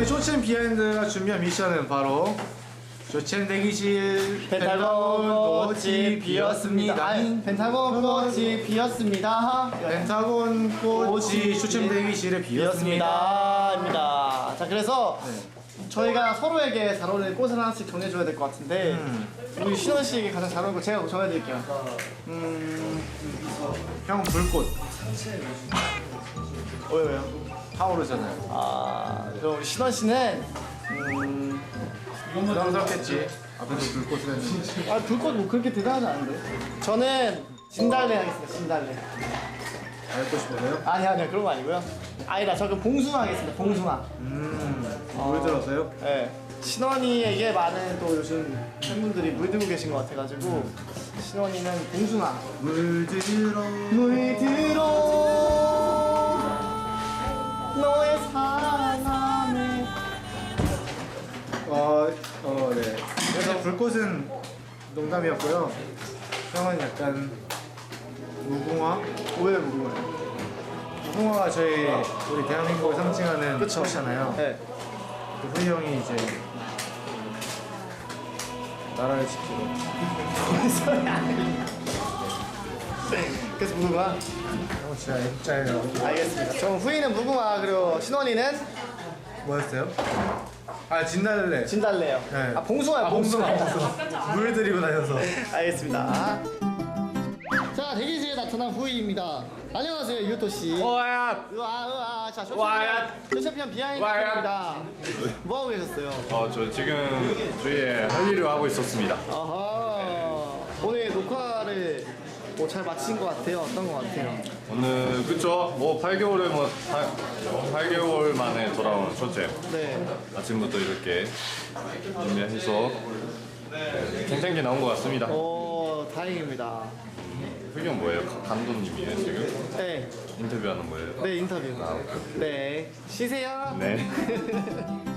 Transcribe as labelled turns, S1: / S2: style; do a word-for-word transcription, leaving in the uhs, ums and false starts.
S1: 저희 쇼챔 비하인드가 준비한 미션은 바로 쇼챔 대기실
S2: 펜타곤 꽃이 피었습니다. 아니, 펜타곤 꽃이 피었습니다.
S1: 펜타곤 꽃이 쇼챔 대기실에 비었습니다.
S2: 입니다. 자, 그래서
S1: 네.
S2: 저희가 서로에게 잘 어울리는 꽃을 하나씩 정해줘야 될 것 같은데
S1: 음.
S2: 우리 신원 씨에게 가장 잘 어울리는 거 제가 정해드릴게요. 음,
S1: 형 불꽃
S2: 왜요 왜요?
S1: 타오르잖아요.
S2: 아, 그럼 우리 신원 씨는 음,
S1: 부담스럽겠지. 앞에서 불꽃을 했는데.
S2: 아 불꽃 뭐 그렇게 대단하지 않은데. 저는 진달래 하겠습니다. 진달래.
S1: 알고 싶으세요?
S2: 아니 아니요 그런 거 아니고요. 아니다 저 그럼 봉숭아 하겠습니다. 봉숭아.
S1: 음, 물 들어서요?
S2: 네. 신원이에게 많은 또 요즘 팬분들이 물들고 계신 것 같아가지고 신원이는 봉숭아.
S1: 물들어
S2: 물들어 너의 사랑함에.
S1: 어, 어, 네. 그래서 불꽃은 농담이었고요. 형은 약간 무궁화?
S2: 왜 무궁화요?
S1: 무궁화가 저희 우리 대한민국을 상징하는
S2: 그쵸.
S1: 꽃이잖아요.
S2: 네.
S1: 그 후이 형이 이제 나라를 지키고.
S2: 그래서 무궁화.
S1: 형 진짜 F자예요.
S2: 알겠습니다. 그럼 후이는 무궁화 그리고 신원이는
S1: 뭐였어요? 아 진달래.
S2: 진달래요.
S1: 네.
S2: 아 봉숭아요.
S1: 아, 봉숭아. 물 들이고 다녀서.
S2: 알겠습니다. 자 대기실에 나타난 후이입니다. 안녕하세요 유토 씨.
S3: 와야
S2: 으아 으아 자
S3: 와야.
S2: 쇼챔피언 비하인드입니다. 뭐 하고 계셨어요?
S3: 어, 저 지금 주위에 할 일을 하고 있었습니다.
S2: 아하 오늘 녹화를 뭐 잘 마친 것 같아요. 어떤 것 같아요?
S3: 오늘 그쵸? 뭐 팔 개월에 뭐 팔 개월 만에 돌아온 첫째.
S2: 네.
S3: 아침부터 이렇게 준비해서 탱탱기 나온 것 같습니다.
S2: 오 다행입니다.
S3: 흑연 뭐예요? 감독님이에요 지금?
S2: 네.
S3: 인터뷰하는 거예요?
S2: 네 인터뷰. 네 쉬세요.
S3: 네.